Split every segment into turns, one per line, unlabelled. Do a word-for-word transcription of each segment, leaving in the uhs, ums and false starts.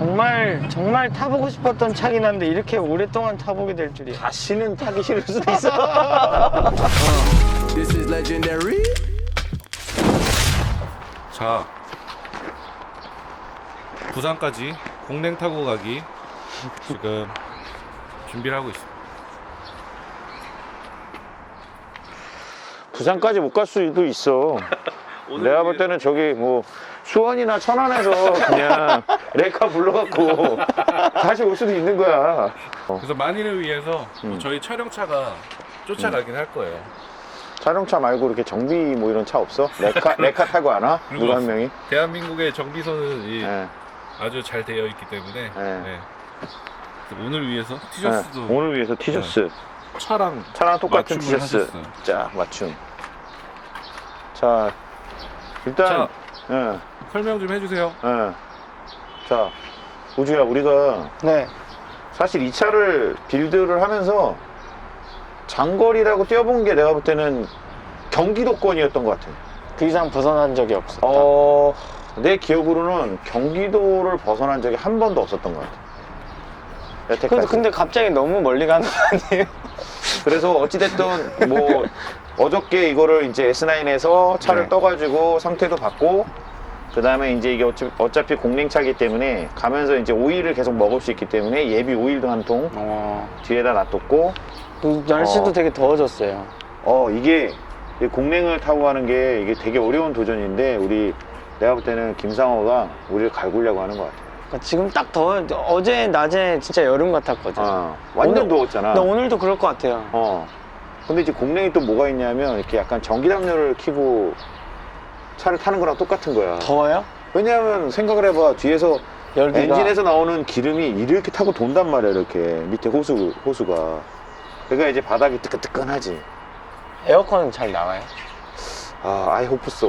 정말 정말 타보고 싶었던 차긴 한데 이렇게 오랫동안 타보게 될 줄이야.
다시는 타기 싫을 수도 있어.
This is legendary.
자, 부산까지 공랭 타고 가기 지금 준비를 하고 있습니다.
부산까지 못 갈 수도 있어. 내가 볼 때는 저기 뭐 수원이나 천안에서 그냥 레카 불러갖고 다시 올 수도 있는 거야. 어.
그래서 만일을 위해서
음.
저희 촬영차가 쫓아가긴 할 거예요.
자동차 말고 이렇게 정비 뭐 이런 차 없어? 레카 레카 타고 안 와?
그리고
누가 한 명이?
대한민국의 정비소는 이
네.
아주 잘 되어 있기 때문에
네.
네. 그래서 오늘 위해서 티셔츠도
네. 오늘 위해서 티셔츠.
차랑
차랑 똑같은
맞춤을
티셔츠.
하셨어요.
자, 맞춤. 자, 일단,
자.
예,
설명 좀 해주세요.
예. 자, 우주야, 우리가
네.
사실 이 차를 빌드를 하면서 장거리라고 뛰어본 게 내가 볼 때는 경기도권이었던 것 같아.
그 이상 벗어난 적이 없었다.
어, 내 기억으로는 경기도를 벗어난 적이 한 번도 없었던 것 같아. 여태까지.
근데, 근데 갑자기 너무 멀리 가는 거 아니에요?
그래서 어찌됐든 뭐 어저께 이거를 이제 에스 나인에서 차를
네.
떠가지고 상태도 받고 그 다음에 이제 이게 어차피, 어차피 공랭차기 때문에 가면서 이제 오일을 계속 먹을 수 있기 때문에 예비 오일도 한 통
어,
뒤에다 놔뒀고
그 날씨도
어.
되게 더워졌어요.
어 이게 이 공랭을 타고 가는 게 이게 되게 어려운 도전인데 우리 내가 볼 때는 김상호가 우리를 갈구려고 하는 것 같아.
그러니까 지금 딱 더워. 어제 낮에 진짜 여름 같았거든.
어, 완전
오늘-
더웠잖아.
나 오늘도 그럴 것 같아요.
어. 근데 이제 공랭이 또 뭐가 있냐면 이렇게 약간 전기담요를 켜고 차를 타는 거랑 똑같은 거야.
더워요?
왜냐하면 생각을 해봐. 뒤에서
열기가.
엔진에서 나오는 기름이 이렇게 타고 돈단 말이야. 이렇게 밑에 호수, 호수가. 그러니까 이제 바닥이 뜨끈뜨끈하지.
에어컨은 잘 나와요?
아, 아이 호프소.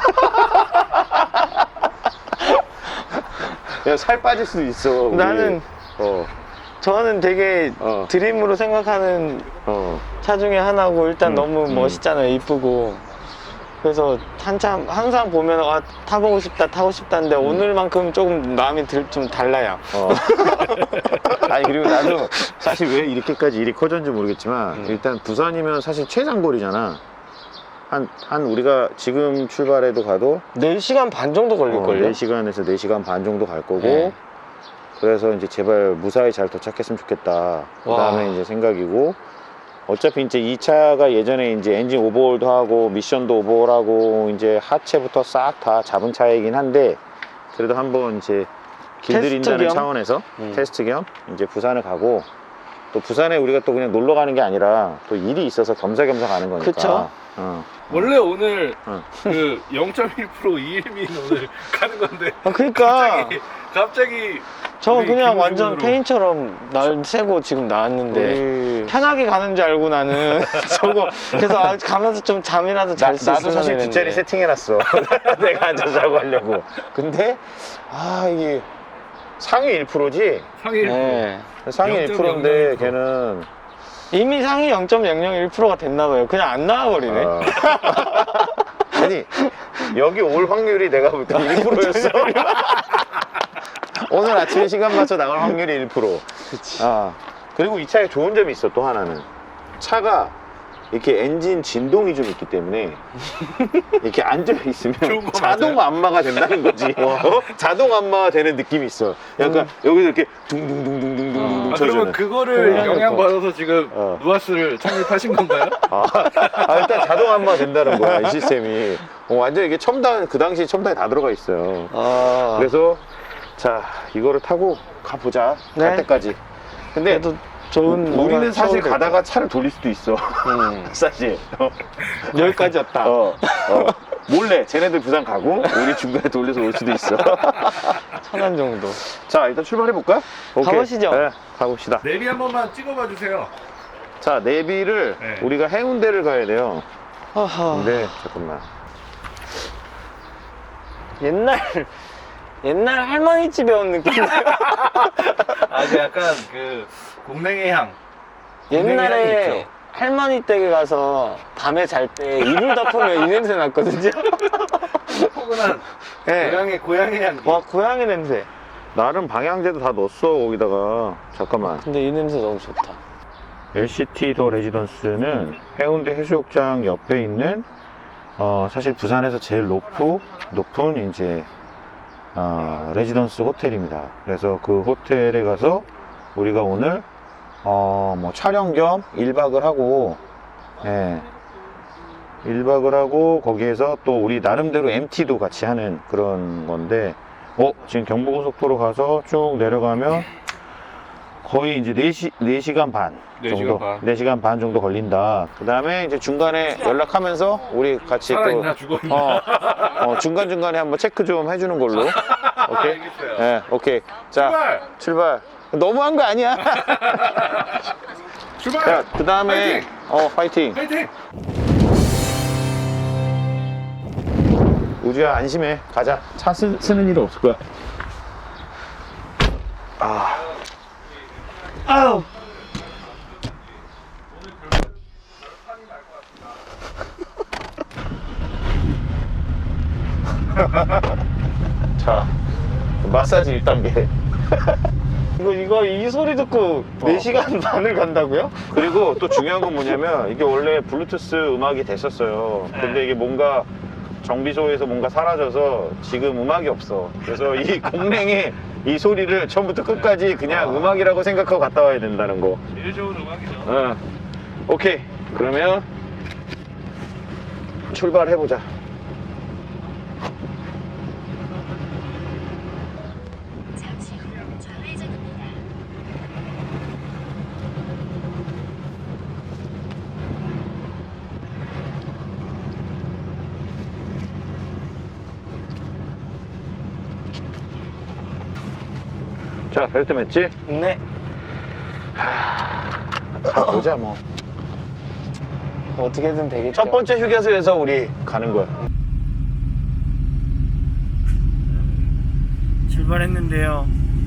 야, 살 빠질 수도 있어. 우리.
나는
어,
저는 되게
어.
드림으로 생각하는
어.
차 중에 하나고 일단
음,
너무
음.
멋있잖아요. 이쁘고. 그래서 한참 항상 보면 아, 타보고 싶다 타고 싶다는데
음.
오늘만큼 조금 마음이 들, 좀 달라요.
어. 아니 그리고 나도 사실 왜 이렇게까지 일이 커졌는지 모르겠지만
음.
일단 부산이면 사실 최장거리잖아. 한, 한 우리가 지금 출발해도 가도
네 시간 반 정도 걸릴걸요?
네 시간에서 네 시간 반 정도 갈 거고
네.
그래서 이제 제발 무사히 잘 도착했으면 좋겠다. 그 다음에
와.
이제 생각이고 어차피 이제 이 차가 예전에 이제 엔진 오버홀도 하고 미션도 오버홀하고 이제 하체부터 싹 다 잡은 차이긴 한데 그래도 한번 이제 길들인다는
테스트 겸?
차원에서
음.
테스트 겸 이제 부산을 가고 또 부산에 우리가 또 그냥 놀러 가는 게 아니라 또 일이 있어서 겸사겸사 가는 거니까.
그쵸.
어.
원래 오늘
어.
그 영 점 일 퍼센트 이일민 오늘 가는 건데
아, 그러니까
갑자기 갑자기
저
우리
그냥
기분
완전
기분으로.
페인처럼 날 새고 지금 나왔는데
우리
편하게 가는 줄 알고 나는 저거 그래서 아, 가면서 좀 잠이라도
나,
잘 수 있으면
나도 사실
했는데.
뒷자리 세팅해놨어. 내가 앉아서 자고 하려고. 근데, 아, 이게 상위 일 퍼센트지?
상일
네.
상위 일 퍼센트인데
영 점 영영 일 퍼센트.
걔는.
이미 상위 영 점 영영일 퍼센트가 됐나 봐요. 그냥 안 나와버리네.
어. 아니, 여기 올 확률이 내가 볼 때 일 퍼센트였어. 오늘 아침에 시간 맞춰 나갈 확률이 일 퍼센트.
그치.
아, 그리고 이 차에 좋은 점이 있어, 또 하나는. 차가 이렇게 엔진 진동이 좀 있기 때문에 이렇게 앉아있으면
좋은 거
자동
맞아요?
안마가 된다는 거지. 어? 자동 안마가 되는 느낌이 있어. 약간 여기서 이렇게 둥둥둥둥둥둥둥
아,
쳐주는.
그러면 그거를
그래.
영향받아서 지금
어.
누아스를 창립하신 건가요?
아, 아, 일단 자동 안마가 된다는 거야, 이 시스템이. 어, 완전 이게 첨단, 그 당시 첨단이 다 들어가 있어요.
아,
그래서 자, 이거를 타고 가보자. 갈
네.
때까지. 근데
그래도 좋은
우리는
뭔가
사실
추억이
가다가 차를 돌릴 수도 있어.
음.
사실. 어.
여기까지였다.
어, 어. 몰래 쟤네들 부산 가고 우리 중간에 돌려서 올 수도 있어.
천안 정도.
자, 일단 출발해 볼까?
가보시죠.
네, 가봅시다.
내비 한 번만 찍어봐 주세요.
자, 내비를
네.
우리가 해운대를 가야 돼요.
아하.
근데 잠깐만.
옛날 옛날 할머니 집에 온 느낌.
아, 그 약간 그 공랭의 향. 공랭의 향이
옛날에
있죠.
할머니 댁에 가서 밤에 잘 때 이불 덮으면 이 냄새 났거든요.
포근한
네.
고향의 고향의 향기.
와 고양이 냄새.
나름 방향제도 다 넣었어 거기다가. 잠깐만.
근데 이 냄새 너무 좋다.
엘시티 더 레지던스는 해운대 해수욕장 옆에 있는 어, 사실 부산에서 제일 높고 높은 이제 어, 레지던스 호텔입니다. 그래서 그 호텔에 가서 우리가 오늘 어, 뭐 촬영 겸 일 박을 하고, 예, 일 박을 하고 거기에서 또 우리 나름대로 엠티도 같이 하는 그런 건데, 어, 지금 경부고속도로 가서 쭉 내려가면 거의 이제 네 시, 네 시간 반
네
정도,
시간 반.
네 시간 반 정도 걸린다. 그 다음에 이제 중간에 연락하면서 우리 같이
살아있나
또,
죽어있나.
어, 어, 중간중간에 한번 체크 좀 해주는 걸로. 오케이?
알겠어요.
예, 오케이. 자,
출발!
출발. 너무한 거 아니야?
출발!
자, 그 다음에,
파이팅!
어, 파이팅.
파이팅!
우주야, 안심해. 가자. 차 쓰, 쓰는 일 없을 거야. 아.
아우!
자, 마사지 일 단계.
이거, 이거, 이 소리 듣고 네 시간 반을 간다고요?
그리고 또 중요한 건 뭐냐면, 이게 원래 블루투스 음악이 됐었어요. 근데 이게 뭔가 정비소에서 뭔가 사라져서 지금 음악이 없어. 그래서 이 공랭의 이 소리를 처음부터 끝까지 그냥 음악이라고 생각하고 갔다 와야 된다는 거.
제일 좋은 음악이죠.
어. 오케이. 그러면 출발해보자.
잠시 후 좌회전입니다.
자, 벨트 맸지?
네.
보자, 뭐.
어떻게든 되겠죠.
첫 번째 휴게소에서 우리 가는 거야.
출발했는데요.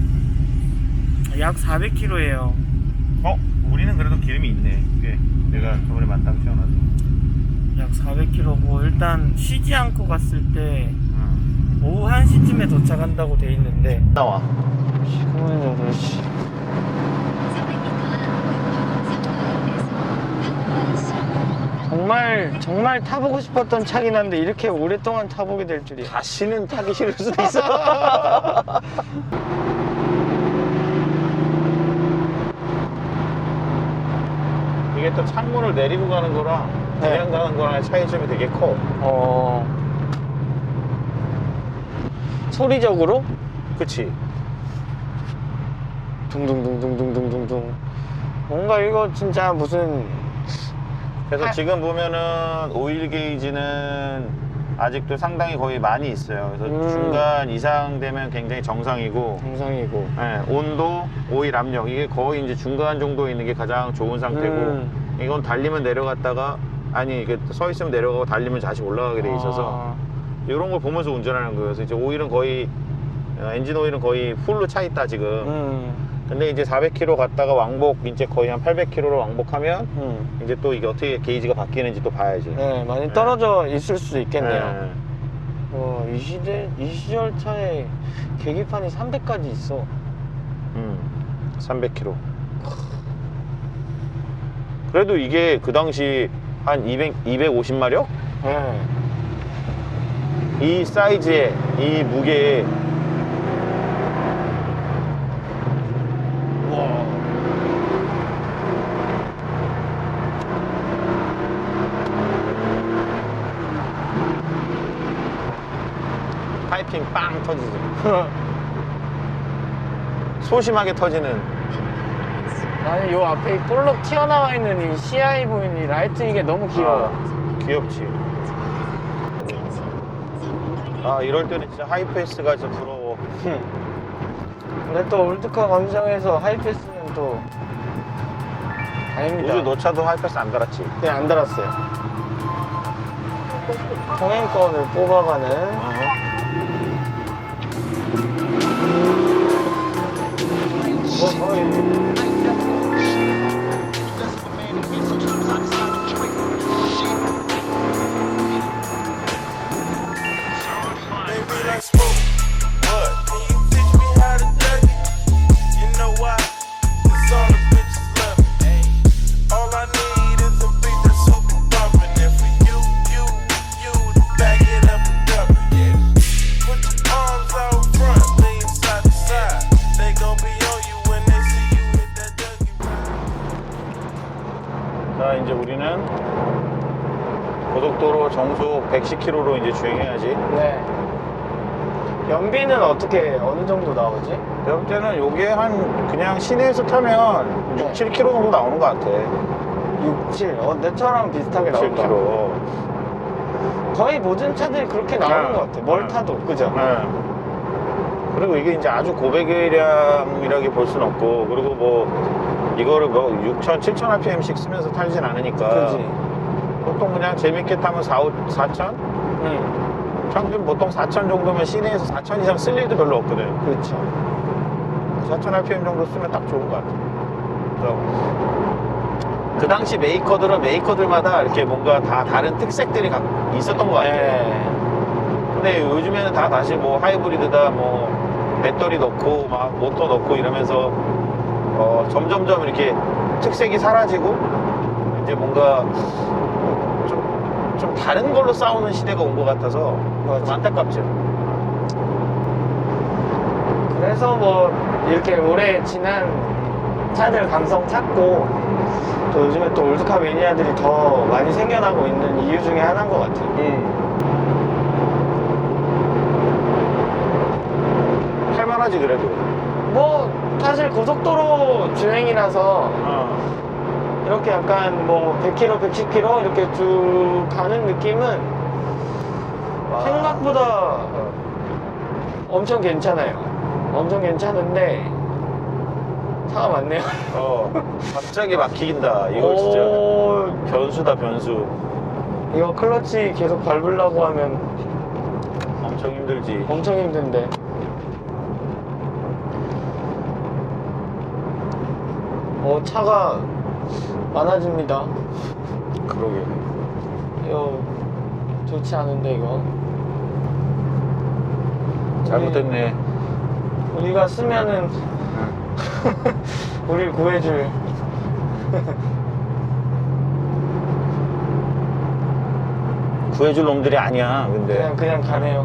약 사백 킬로미터예요.
어? 우리는 그래도 기름이 있네. 꽤. 내가 저번에 만땅 태어나서.
약 사백 킬로미터고 일단 쉬지 않고 갔을 때
응.
오후 한 시쯤에 도착한다고 돼 있는데
나와.
지금은 여덟 시.
삼백 미터
정말 정말 타보고 싶었던 차긴 한데 이렇게 오랫동안 타보게 될 줄이야.
다시는 타기 싫을 수도 있어. 이게 또 창문을 내리고 가는 거랑 그냥
네.
가는 거랑 차이점이 되게 커.
어. 소리적으로
그치?
둥둥둥둥둥둥둥둥. 뭔가 이거 진짜 무슨
그래서
하-
지금 보면은 오일 게이지는 아직도 상당히 거의 많이 있어요. 그래서
음.
중간 이상 되면 굉장히 정상이고,
정상이고.
예, 온도, 오일 압력 이게 거의 이제 중간 정도 있는 게 가장 좋은 상태고,
음.
이건 달리면 내려갔다가 아니 이게 서 있으면 내려가고 달리면 다시 올라가게 돼 있어서
아.
이런 걸 보면서 운전하는 거예요. 그래서 이제 오일은 거의 어, 엔진 오일은 거의 풀로 차 있다 지금.
음.
근데 이제 사백 킬로미터 갔다가 왕복 이제 거의 한 팔백 킬로미터로 왕복하면
음.
이제 또 이게 어떻게 게이지가 바뀌는지 또 봐야지.
네, 많이 떨어져 있을 수도 있겠네요.
예.
와, 이 시대, 이 시절 차에 계기판이 삼백까지 있어.
음, 삼백 킬로미터. 그래도 이게 그 당시 한 이백, 이백오십 마력?
네.
이 사이즈에, 이 무게에. 와. 파이핑 빵 터지지. 소심하게 터지는.
나는 요 앞에 이 볼록 튀어나와 있는 이 씨아이 보이는 이 라이트 이게 너무 귀여워.
아, 귀엽지. 아, 이럴 때는 진짜 하이패스가 진짜 부러워.
근데 또 올드카 감성에서 하이패스는 또 아닙니다.
우주 너 차도 하이패스 안 달았지?
그냥 안 달았어요. 통행권을 뽑아가는 뭐, 뭐,
Baby, like smoke. What? Can you teach me how to dance?
이제 우리는 고속도로 정속 백십 킬로미터로 이제 주행해야지.
네. 연비는 어떻게 어느 정도 나오지?
내가 볼 때는 요게 한 그냥 시내에서 타면
네.
육, 칠 킬로미터 정도 나오는 것 같아.
육, 칠. 어, 내처럼 비슷하게
칠
나온다.
킬로미터.
거의 모든 차들이 그렇게 나오는
네.
것 같아. 뭘
네.
타도, 그죠?
네. 그리고 이게 이제 아주 고배기량이라게 볼 수는 없고, 그리고 뭐 이거를 뭐 육천, 칠천 알피엠씩 쓰면서 타진 않으니까
그지?
보통 그냥 재밌게 타면 사, 사천?
응.
평균 보통 사천 정도면 시내에서 사천 이상 쓸 일도 별로 없거든.
그렇죠.
사천 알피엠 정도 쓰면 딱 좋은 것 같아. 그래서 그 당시 메이커들은 메이커들마다 이렇게 뭔가 다 다른 특색들이 가- 있었던 것 같아.
네.
근데 요즘에는 다 다시 뭐 하이브리드다, 뭐 배터리 넣고 막 모터 넣고 이러면서 어 점점점 이렇게 특색이 사라지고 이제 뭔가 좀, 좀 다른 걸로 싸우는 시대가 온 것 같아서 좀 안타깝죠.
그래서 뭐 이렇게 오래 지난 차들 감성 찾고 또 요즘에 또 올드카 매니아들이 더 많이 생겨나고 있는 이유 중에 하나인 것 같아요.
음. 할만하지 그래도.
뭐 사실 고속도로 주행이라서
어.
이렇게 약간 뭐 백 킬로미터, 백십 킬로미터 이렇게 쭉 가는 느낌은 생각보다 엄청 괜찮아요. 엄청 괜찮은데 차가 많네요.
어. 갑자기 막히긴다. 이거 진짜
오,
변수다 변수.
이거 클러치 계속 밟으려고 하면
엄청 힘들지.
엄청 힘든데. 어, 차가 많아집니다.
그러게.
이거 좋지 않은데 이거.
잘못됐네.
우리, 우리가 쓰면은 우릴 구해줄.
구해줄 놈들이 아니야. 근데
그냥 그냥 가네요.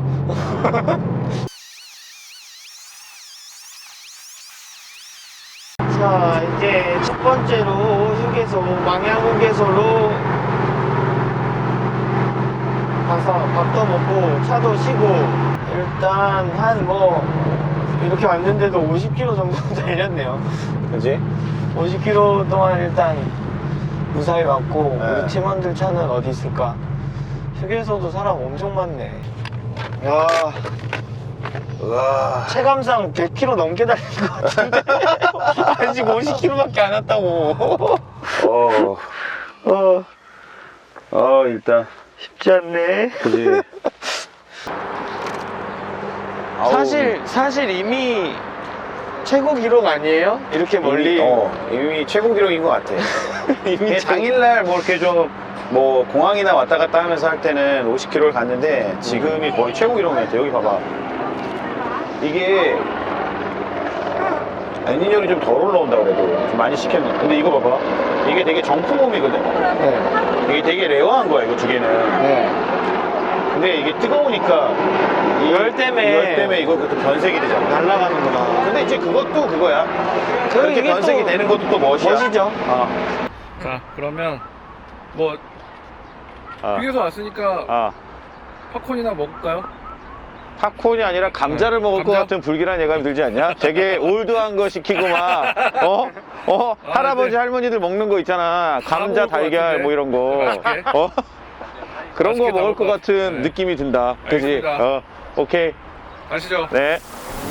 자, 이제 첫 번째로 휴게소, 망향 휴게소로 가서 밥도 먹고 차도 쉬고 일단 한 뭐 이렇게 왔는데도 오십 킬로미터 정도 달렸네요.
그지?
오십 킬로미터 동안 일단 무사히 왔고
네.
우리 팀원들 차는 어디 있을까? 휴게소도 사람 엄청 많네. 야,
우와.
체감상 백 킬로미터 넘게 달린 것 같은데 아직 오십 킬로미터밖에 안 왔다고.
어.
어,
어 일단
쉽지 않네.
그지. 아우.
사실 사실 이미 최고 기록 아니에요? 이렇게 멀리.
이미, 어, 이미 최고 기록인 것 같아.
이미
이게
최고-
당일날 뭐 이렇게 좀 뭐 공항이나 왔다 갔다 하면서 할 때는 오십 킬로미터를 갔는데 지금이 거의 최고 기록인 것 같아. 여기 봐봐. 이게 엔진열이 좀 덜 올라온다 그래도 좀 많이 시켰는데, 근데 이거 봐봐. 이게 되게 정품홈이거든.
네,
이게 되게 레어한 거야 이거 두 개는.
네.
근데 이게 뜨거우니까 이
열 때문에
열 때문에 이거 또 변색이 되잖아.
날아가는구나.
근데 이제 그것도 그거야.
그
그렇게
이게
변색이
또
되는 것도 또 멋이야.
멋이죠.
어.
자, 그러면 뭐
어.
휴게소 왔으니까
아.
팝콘이나 먹을까요?
팝콘이 아니라 감자를
네,
먹을 것
감자?
같은 불길한 예감이 들지 않냐? 되게 올드한 거 시키고 막, 어? 어?
아,
할아버지
네.
할머니들 먹는 거 있잖아.
다
감자,
먹을 것
달걀
같은데?
뭐 이런 거.
맛있게?
어? 그런 거
맛있게 다
먹을 것
먹을 것
같은
같- 네.
느낌이 든다. 그지?
알겠습니다.
어, 오케이.
가시죠.
네.